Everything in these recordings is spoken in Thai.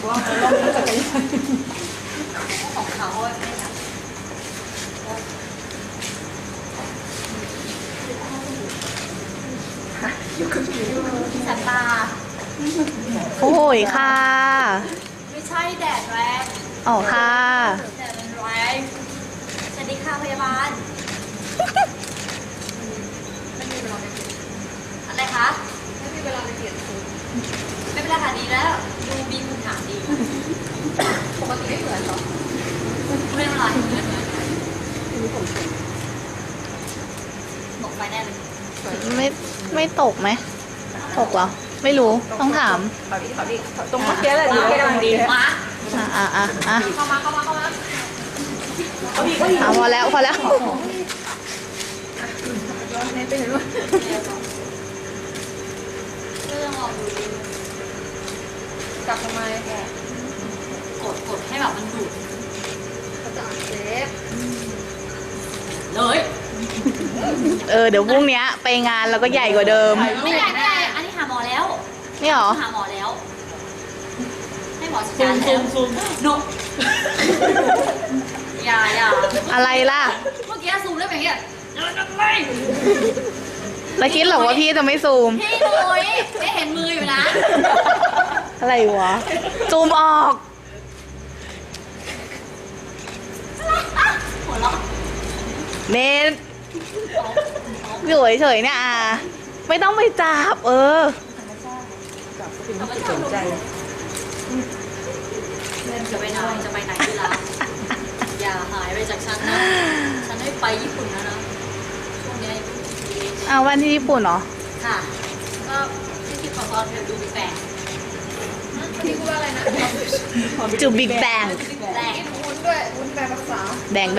ว่าลองจักรยานของเขาไม่ได้อยู่กับสัตว์ป่าโอ้ยค่ะไม่ใช่แดดแรงอ๋อค่ะแดดมันแรงสวัสดีค่ะพยาบาลไม่มีเวลาไปเปลี่ยนอะไรคะไม่มีเวลาไปเปลี่ยนชุดไม่เป็นไรค่ะดีแล้วดูมีคุณถามดีปกติไม่เหมือนหรอไม่เป็นไรตกไปแน่เลยไม่ตกไหมตกเหรอไม่รู้ต้องถามตรงเมื่อกี้แหละดีกำลังดีมาเข้ามาพอแล้วเรื่องออกดูกลับทำไมกดให้แบบมันดูดเขาจะเซฟเลยเดี๋ยวพรุ่งนี้ไปงานแล้วก็ใหญ่กว่าเดิมไม่ใหญ่อันนี้หาหมอแล้วนี่หรอหาหมอแล้วให้หมอจัดการแล้วนกอย่าอะไรล่ะเมื่อกี้ซูมได้แบบนี้แล้วคิดหรอว่าพี่จะไม่ซูมพี่หนุ่ยไม่เห็นมืออยู่นะอะไรวะซูมออกหัวเราะเนทอยู่เฉยๆเนี่ยไม่ต้องไปจับสนใจจะไปไหนดีล่ะอย่าหายไปจากฉันนะฉันได้ไปญี่ปุ่นแล้วนะช่วงนี้วันที่ญี่ปุ่นเหรอค่ะก็ที่ขอตอนเธอดูบิ๊กแบงพี่พูดว่าอะไรนะจูบิ๊กแบงวุ้นด้วยวุ้นแปลภาษาแบง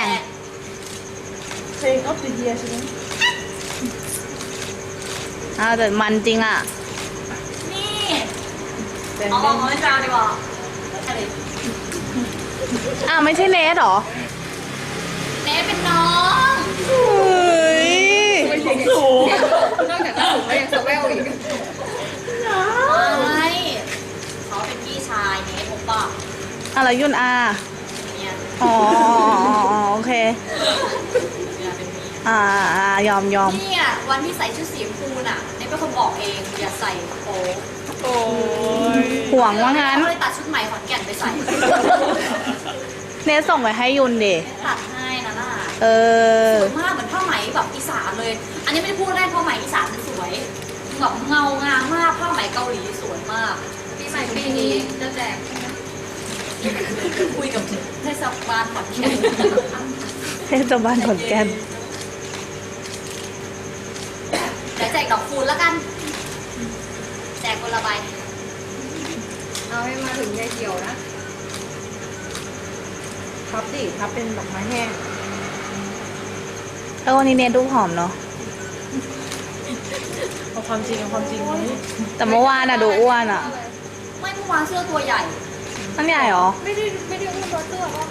เพลงออฟเดอะเยียร์ใช่ไหมแต่มันจริงนี่เอาไม่จ้าดีกว่าไม่ใช่เนทหรอเนทเป็นน้องไม่ใช่สูงนอกจากสูงแล้วยังสแววอีกไม่เขาเป็นพี่ชายเนทผมบอกอะไรยุ่นเนี่ยโอเคยอมเนี่ยวันที่ใส่ชุดสีชมพูน่ะเนทเป็นคนบอกเองอย่าใส่โป๊ห่วงว่างั้นก็เลยตัดชุดใหม่ขอนแก่นไปใส่เนทส่งไปให้ยุนดิตัดให้นะล่ะสวยมากเหมือนผ้าไหมแบบอีสานเลย อันนี้ไม่ได้พูดได้ผ้าไหมอีสานมันสวยแบบเงางามมากผ้าไหมเกาหลีสวยมากปีใหม่ปีนี้จะแจกคุยกับเทศบาลขอนแก่นเทศบาลขอนแก่นเดี๋ยวแจกดอกคูณแล้วกันแจกคนละใบเอาให้มาถึงยายเกี่ยวนะพับเป็นดอกไม้แห้งวันนี้เนทดูผอมเนาะเอาความจริงแต่เมื่อวานดูอ้วนไม่เมื่อวานเสื้อตัวใหญ่นั่นใหญ่หรอไม่ได้อ้วนตัวเสื้อหรอ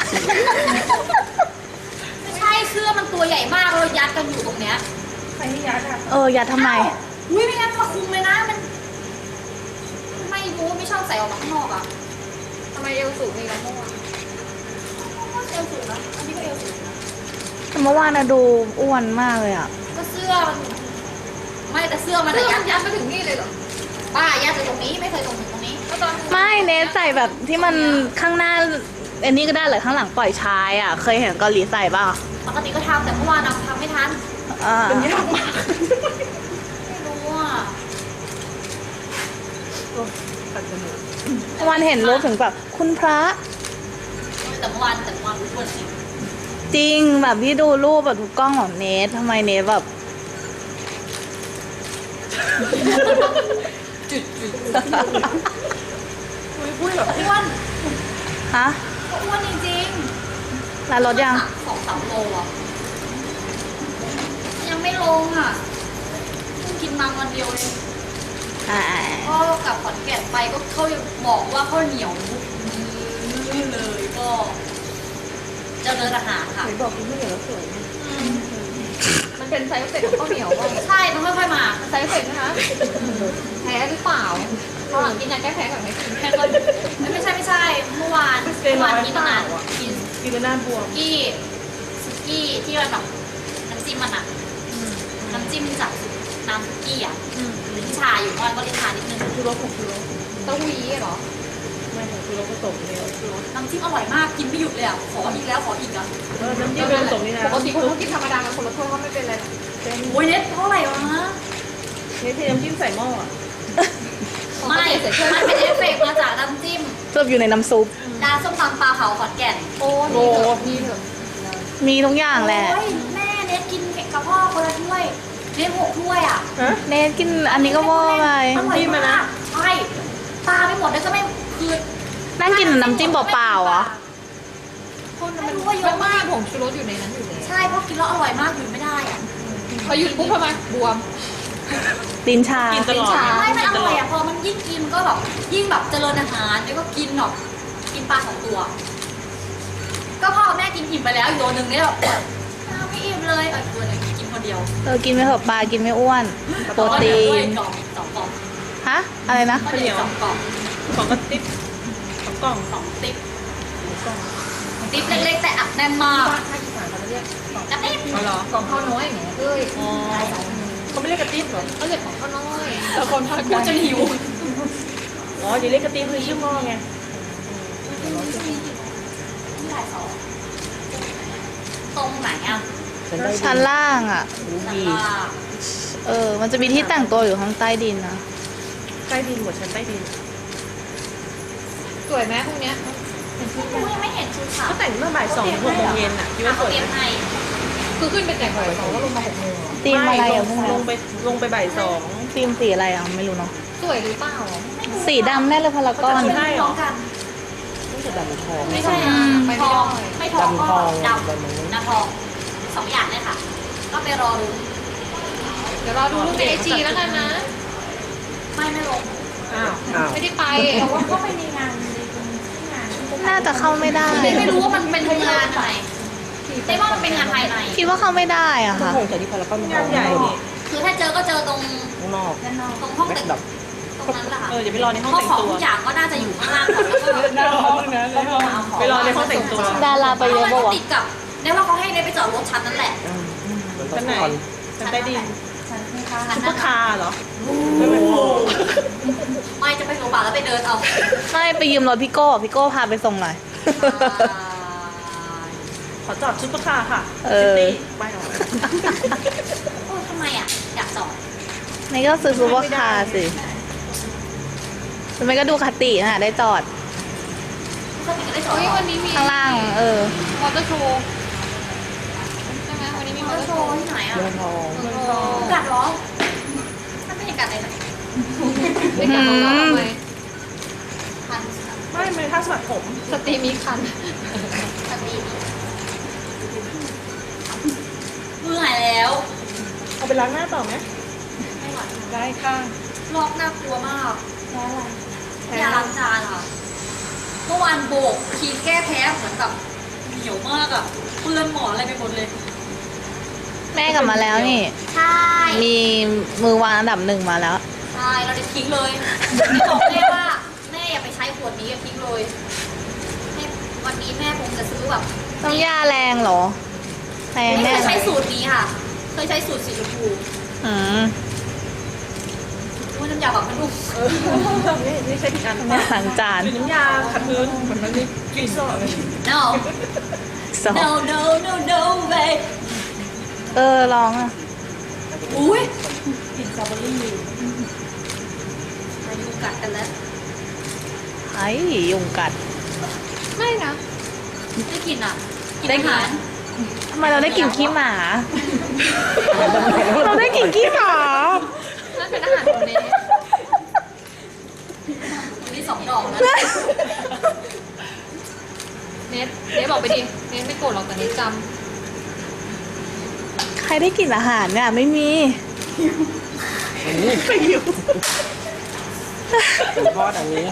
ไม่ใช่เสื้อมันตัวใหญ่มากเลยยัดกันอยู่ตรงเนี้ยใครไม่ยัดยัดทำไมไม่งั้นมาคุมเลยนะมันไม่รู้ไม่ชอบใส่ออกมาข้างนอกทำไมเอวสูงนี่ล่ะเมื่อวานเอวสูงนะอันนี้ก็เอวสูงแต่เมื่อวานดูอ้วนมากเลยก็เสื้อมันไม่แต่เสื้อมันยัดมาถึงนี่เลยเหรอป้ายัดไปตรงนี้ไม่เคยตรงนี้ไม่เนทใส่แบบที่มันข้างหน้าอันนี้ก็ได้เลยข้างหลังปล่อยชายเคยเห็นเกาหลีใส่ป่ะปกติก็ทำแต่เมื่อวานทำไม่ทันเป็นยากมากไม่รู้วันเห็นรูปถึงแบบคุณพระแต่เมื่อวานรู้ตัวจริงแบบพี่ดูรูปแบบทุกกล้องของเนททำไมเนทแบบจุดพูดแบบอ้วนอ้วนจริงๆแล้วลดยัง 2-3 โลยังไม่ลงเพิ่งกินมาวันเดียวเองก็กลับขอนแก่นไปก็เขาบอกว่าข้าวเหนียวเลยก็เจริญอาหารค่ะบอกกินข้าวเหนียวแล้วสวยมันเป็นไซส์เฟกของข้าวเหนียวป่ะใช่ต้องค่อยๆมาไซส์เฟกนะคะแพ้หรือเปล่าตอนหลังกินยาแก้แพ้ก่อนไหมแพ้ก่อนเจน้อยกินเปนาล่าน อ่ะกินกินแล้วหน้าบวมสุกี้ที่มันแบบน้ำจิ้มมันอะน้ำจิ้มจากน้ำสุกี้อะลิ้นชาอยู่ก้อนก็ลิ้นชานิดนึงชูรสของชูรสเต้าหู้ยี้เหรอไม่ของชูรสผสมเนี่ยชูรสน้ำจิ้มอร่อยมากกินไม่หยุดเลยอะขออีกแล้วขออีกอะน้ำจิ้มเป็นผสมนี่นะปกติคนเขากินธรรมดากันคนละถ้วยก็ไม่เป็นไรหรอกโอ้ยเน็ตเท่าไหร่วะนี่เทน้ำจิ้มใส่หม้ออ่ะไม่มันเป็นเอฟเฟกต์มาจากน้ำจิ้มเสิร์ฟอยู่ในน้ำซุปร้านส้มตำปลาเผาขอนแก่นโอ้นี่เถอะนี่เถอะมีทุกอย่างแหละโอ้ยแม่เน็ตกินกับพ่อคนละถ้วยเน็ต6 ถ้วยอะฮะเนทกินอันนี้ก็เวอร์ไปอร่อยมากใช่ตาไม่หมดเลยก็ไม่คือนั่งกินน้ำจิ้มเปล่าๆเหรอคนไม่มันรู้ว่าเยมัอะนไม่มากมีผงชูรสอยู่ในนั้นอยู่แล้วใช่เพราะกินแล้วอร่อยมากหยุดไม่ได้อะพอหยุดปุ๊บทำไมบวมลิ้นชากินตลอดไม่มันอร่อยอะพอมันยิ่งกินก็แบบยิ่งแบบเจริญอาหารแล้วก็กินแบบกินปลา2 ตัว ก็พ่อกับแม่กินอิ่มไปแล้วอีกตัวหนึ่งเนี่ยแบบไม่อิ่มเลยอีกตัวหนึ่งกินคนเดียวกินไม่เถอะปลากินไม่อ้วน โปรตีด้วยนกล่อง2 กล่องฮะ อะไรนะก็เดี๋ยว2 กล่องของกระติ๊บของกล่อง 2 ติ๊บติ๊บเล็กๆแต่อัดแน่นมากภาคอีสานเขาจะเรียกกล่องกระติ๊บอ๋อเหรอกล่องข้าวน้อยอย่างเงี้ยเอ้ยอ๋อเขาไม่เรียกกระติ๊บเหรอเขาเรียกของข้าวน้อยแต่คนภาคกกูลางจะหิวอ๋ออย่าเรียกกระติ๊บคือชื่อหม้อไงที่ไหนสองตรงไหนอ่ะชั้นล่างอ่ะชั้นล่างมันจะมีที่แต่งตัวอยู่ข้างใต้ดินนะใต้ดินหมดชั้นใต้ดินสวยไหมพวกเนี้ยกูยังไม่เห็นชุดขาวก็แต่งเมื่อบ่าย2 6 โมงเย็นอ่ะคิดว่าสเขาวยเตรียมไหมให้คือขึ้นไปแต่งบ่ายสองแล้วลงมา6 โมงเหรอตีมอะไรอ่ะพวกลนี้งไปบ่าย2 ตีมสีอะไรอ่ะ ไม่รู้เนาะสวยหรือเปล่าสีดำแน่เลยพารากอนไม่ได้พร้อมกันรู้สึกแบบทองไม่ใช่อืมทองไม่ทองก็ดำนะทอง2 อย่างเลยค่ะ ก็ไปรอดูเดี๋ยวรอดูรูปในไอจีแล้วกันนะไม่ลงอ้าวไม่ได้ไปแต่ว่าก็ไปในงานที่งานน่าจะเข้าไม่ได้ไม่รู้ว่ามันเป็นงานอะไรแต่ว่ามันเป็นงานภายในคิดว่าเข้าไม่ได้อ่ะค่ะคงจะที่พารากอนงานใหญ่นี่คือถ้าเจอก็เจอตรงข้างนอกตรงห้องแบ็แต่คงดับตรงนั้นแหละค่ะอย่าไปรอในห้องเพราะแต่งของตัวทุกอย่างก็น่าจะอยู่ข้างล่างก่อนแล้วก็หน้าห้องนะไปรอในห้องแต่งตัวดาราไปเยอะมันปะก็วะติดกับเนี่ยว่าเขาให้เนยไปจอดรถชั้นนั้นแหละเหมือนชั้นไหนคอนชั้นใต้ดินชั้นซุปเปอนั้นร์คาร์เหรอไม่จะไปโรงพยาบาลแล้วไปเดินเอาไม่ไปยืมรถพี่โก้พี่โก้พาไปส่งหน่อยขอจอดซุปเปอร์คาร์ค่ะเออซิตี้ไปหรอโอ้ยทำไมอ่ะอยากจอดนี่ก็ซื้อซูเปอร์คาร์สิทำไมก็ดูคติน่ะ ได้จอดก็มีกันได้จอดเฮ้ยวันนี้มีข้างล่างมอเตอร์โชว์ใช่ไหมวันนี้มีมมออเตเตออร์ร์โชโชว์ว์ที่ไหนอ่ะเมืองทองเมืองทองกัดเหรอมันไม่ใช่กัดอะไรหรอกไปกันเราทำไมพันไม่ท่าสมัครผมสตรีมีคันสตรีมือหายแล้วเอาไปล้างหน้าต่อไหมไม่ไหวได้ค่ะลอกน่ากลัวมากแพ้อะไรแพ้ยาล้างจานค่ะ เมื่อวานโบกครีมแก้แพ้เหมือนแบบเหนียวมากอ่ะเปื้อนหมอนอะไรไปหมดเลยแม่กลับมาแล้วนี่ใช่มีมือวางอันดับ 1มาแล้วใช่เราจะทิ้งเลยไม่บอกแม่ว่าแม่อย่าไปใช้ขวดนี้อย่าทิ้งเลยแม่วันนี้แม่คงจะซื้อแบบน้ำยาแรงเหรอแรงไม่แน่เคยเลใช้ยสูตรนี้ค่ะ เคยใช้สูตรสีชมพูอืมว่าน้ำยาแบบมันนุ่มนี่ใช้ผิดอันแม่ล้างจานคือน้ำยาขัดพื้นเหมือนมันนี่กลิ่นสดเลย no สอง no no no no way ร้องอ่ะอุ้ยกลิ่นสตรอเบอรี่มายุงกัดกันแล้วไอ้ยุงกัดไม่นะได้กลิ่นอ่ะกลิ่นได้อากลิ่นหารทำไมเราได้กลิ่นขี้หมา เราได้กลิ่นขี้หมานั่นเป็นอาหารของเนสวันนี้2 ดอกนะเนสบอกไปดิ เนสไม่โกรธหรอกแต่เนสจใครได้กลิ่นอาหารเนี่ยไม่มีไปอยู่เป็นทอดอันนี้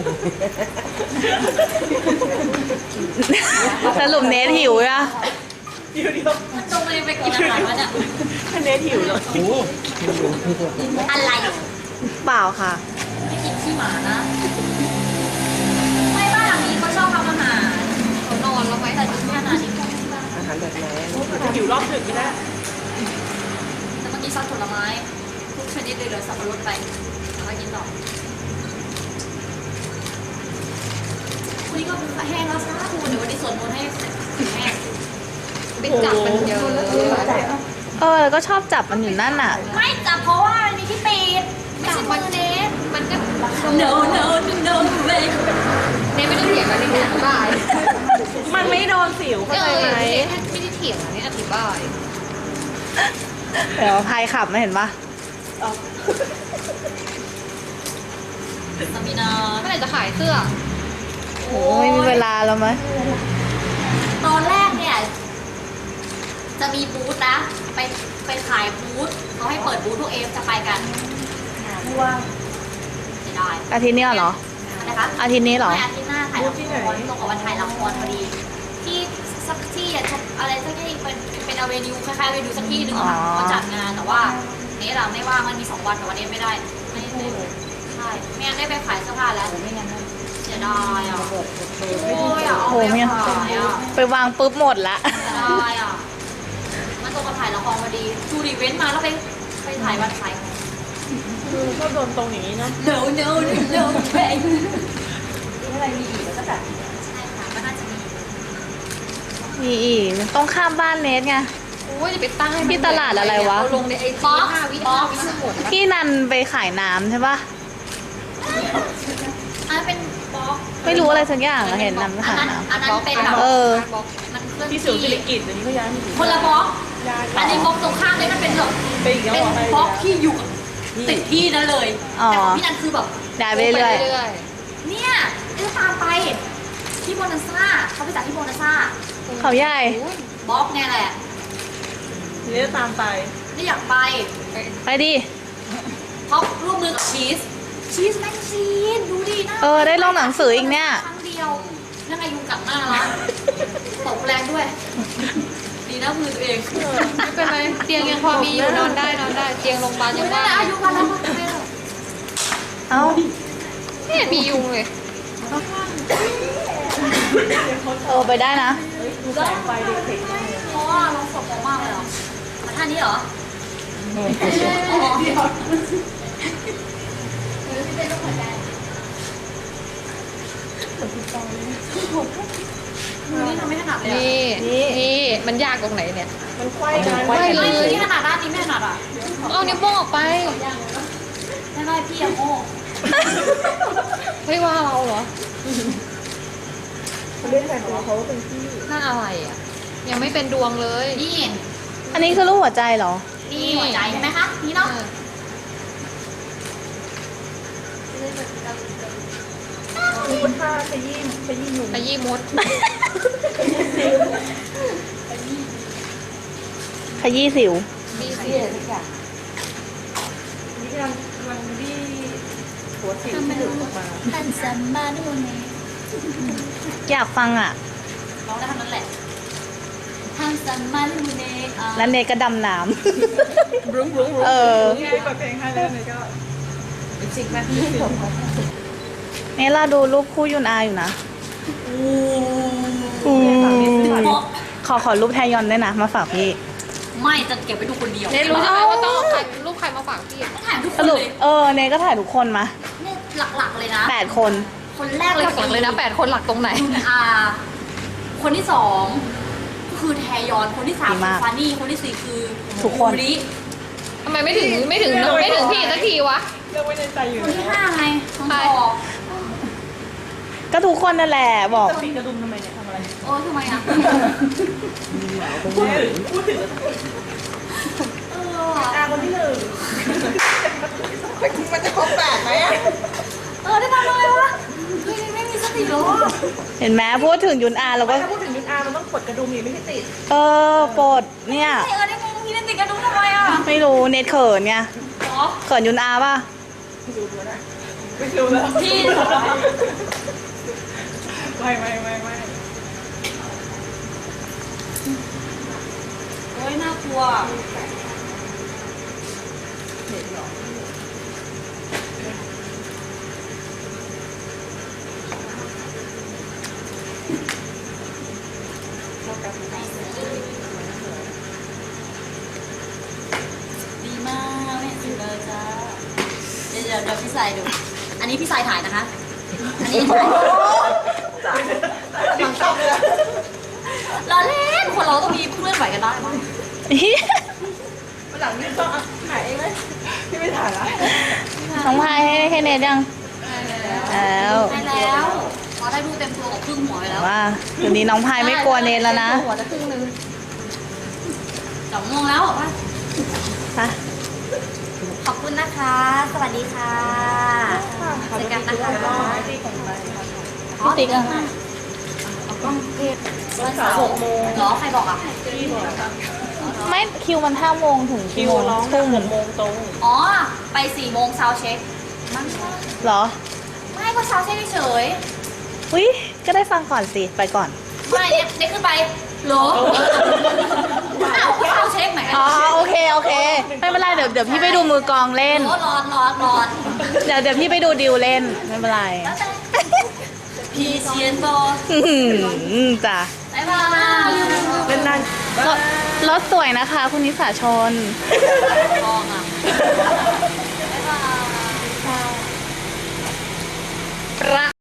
สรุปเนทหิวอ่ะเดี๋ยวมันตรงเลยไปกินอาหารวะเนี่ยคะแนนหิวเลยนี่อะไรเปล่าค่ะไม่กินขี้หมานะไม่บ้านหลังนี้เขาชอบทำอาหารแห้งแล้วซะคุณเดี๋ยววันนี้สวดมนต์ให้แห้งไปจับมันเยอะแล้วก็ชอบจับมันอยู่นั่นน่ะไม่จับเพราะว่ามันมีที่ปิดไม่ใช่มือเนสมันก็ no no no no เลยเนไม่ได้เถียงกันนี่อธิบายมันไม่โดนสิวเข้าใจไหมไม่ได้เถียงอันนี้อธิบายเดี๋ยวพายขับไม่เห็นปะสามีนาเมื่อไหร่จะขายเสื้อโอ้ไม่มีเวลาแล้วไหมตอนแรกเนี่ยจะมีบูธนะไปขายบูธเขาให้เปิดบูธพวกเอฟจะไปกันว่างเสียดายอาทิตย์นี้เหรอนะคะอาทิตย์นี้เหรอไม่อาทิตย์หน้าถ่ายละครตรงกับวันถ่ายละครพอดี ที่สักที่อะอะไรสักที่เป็นอเวนิวคล้ายๆอเวนิวสักที่หนึ่งอะค่ะอ๋อเขาจัดงานแต่ว่าเนี้เราไม่ว่างมันมี2 วันแต่วันนี้ไม่ได้ไม่ใช่ไม่งั้นได้ไปขายเสื้อผ้าแล้วไม่งั้นเสียดายอ่ะโอ้ยอ่ะเอาไปขายอ่ะไปวางปุ๊บหมดละเสียดายอ่ะมันตรงกับถ่ายละครพอดีดูรีเว้นมาแล้วไปถ่ายวันขายของคือชอบโดนตรงอย่างนี้เนาะ no no no no แพงอะไรมีอีกแล้วก็แบบใช่ค่ะก็น่าจะมีมีอีกต้องข้ามบ้านเนสไงโอ้ยจะไปตั้งให้มันที่ตลาดอะไรวะเอาลงในไอจี5 วิหมดที่นันไปขายน้ำใช่ปะอันนั้นเป็นบล็อกไม่รู้อะไรสักอย่างอะเห็นนันไปอันขายนั้นน้ำอันนั้นเป็นแบบเออมันเคลื่อนที่สิวสิริกิตเดี๋ยวนี้ก็ย้ายมาอยู่คนละบล็อกย้ายอันนี้บล็อกตรงข้ามเลยมันเป็นแบบไปอีกแล้วเป็นเหรอบล็อกที่อยู่กับติดที่นั่นเลยอ๋อแต่ของพี่นันคือแบบได้ไปเรื่อยเนี่ยเดี๋ยวตามไปที่โบนัสซ่าเขาไปจัดที่โบนัสซ่าๆเขาใหญ่บล็อกเนี่ยแหละเดี๋ยวตามไปไม่อยากไปไปดิเพราะร่วมมือกับชีสแมกซีนดูดิหน้าได้ลงหนังสืออีกเนี่ยครั้งเดียวนั่งไงยุงกัดหน้าละตกแรงด้วย ดีนะมือตัวเองไม่เป็นไรเตียงยังพอมีอยู่นอนได้เตียงโรงพยาบาลยังนั่ว่านแหละอายุงวันแล้วไม่ได้หรอกเอ้าไม่เห็นมียุงเลยไปได้นะดูแสงไฟเด็กๆมากเลยเพราะว่าเราสดมากเลยเหรอมาท่านี้เหรอเอออ๋อเดี๋ยวพี่เป็นลูกหัวใจมือนี่ทำไม่ถนัดเลยอะนี่มันยากตรงไหนเนี่ยมันไขว้กันไขว้เลยมือที่ถนัดด้านนี้ไม่ถนัดอ่ะเอานิ้วโป้งออกไปไม่ไม่พี่อะโง่เฮ้ยว่าเราเหรอเขาเล่นแต่ของเขาเป็นที่หน้าอะไรอ่ะ ยังไม่เป็นดวงเลยนี่อันนี้คือรูปหัวใจเหรอนี่หัวใจใช่ไหมคะนี่เนาะมีผ้าขยี้หนุ่มขยี้มดขยี้สิวมีสินี่กำลังบี้หัวสิวที่หลุดออกมาทันสัมมานุเนอยากฟังอ่ะร้องได้เท่านั้นแหละทันสัมมานุเนแล้วเนสก็ดำน้บรุ้งบรุ้งบรุ้งเออนี่เปิดเพลงให้แล้วนี่ก็จริงไหมำเนสเราดูรูปคู่ยุนอาอยู่นะ ขอรูปแทยอนด้วยนะ มาฝากพี่ไม่จะเก็บไว้ดูคนเดียวเนรู้ใช่ไหมว่าต้องเอาใครรูปใครมาฝากพี่ถ่ายทุกคสนรุปเลยเนสก็ถ่ายทุกคนมาเนี่ยหลักๆเลยนะ 8 คนคนแรกเลยหลักเลยนะ8 คนหลักตรงไหนยุนอา คนที่2ก็คือแทยอน คนที่3 ดีคือมากฟานี่ คนที่4คือทุกคนริทำไมไม่ถึงพี่สักทีวะเลือกไว้ในใจอยู่คนที่แล้ว 5ไงน้องใครตอกก็ทุกคนนั่นแหละบอกจะปิดกระดุมทำไมเนี่ยทำอะไรทำไมอ่ะพูดถึง อาคนที่หนึ่งมันจะครบ8ไหมอ่ะได้ทำอะไรวะเฮ้ยไม่มีสติหรอเห็นไหมพูดถึงยุนอาเราก็ถ้าพูดถึงยุนอามันต้องกดกระดุมนี่ไม่ให้ติดปลดเนี่ยได้ไงพี่เล่นติดกระดุมทำไมอ่ะไม่รู้เนทเขินไงหรอเขินยุนอาป่ะไม่รู้แล้วไม่รู้แล้วพี่ไม่โอ้ยน่ากลัวดีมากเนี่ยสุดเลยจ้าเดี๋ยวพี่สายดู อันนี้พี่สายถ่ายนะคะ อันนี้ถ่ายชอบเลยนะเราเล่นคนเราต้องมีเพื่อนไหวกันได้มั้งวันหลังนี่ต้องถ่ายเองไหมพี่ไม่ถ่ายละน้องพายให้เนทยังแล้วได้แล้วพอได้ดูเต็มตัวกับครึ่งหัวไปแล้วว่าเดี๋ยวนี้น้องพายไม่กลัวเนทแล้วนะหัวจะครึ่งนึง 2 โมงแล้วเหรอป่ะไปขอบคุณนะคะ สวัสดีค่ะเจอกันนะคะที่ของไปพี่ติ๊กอะวันเสาร์6 โมงเหรอใครบอกอ่ะที่บอกไม่คิวมัน5 โมงถึงคิกี่วโมงร้องทุ่ม 6 โมงตรงอ๋อไป4 โมงซาวเช็คมันเหรอไม่ก็ซาวเช็คเฉยอุ้ยก็ได้ฟังก่อนสิ ไปก่อนไม่เนี่ยขึ้นไปเหรออ้าวก็ซาวเช็คไหมอ๋อโอเคโอเค ไม่เป็นไรเดี๋ยวพี่ไปดูมือกลองเล่นโอ้ร้อนเดี๋ยวพี่ไปดูดิวเล่นไม่เป็นไรแล้วแต่พีเซียนโตจ้ะบ๊ายบายเป็นนานรถสวยนะคะ คุณนิสาชนทองอ่ะบ๊ายบาย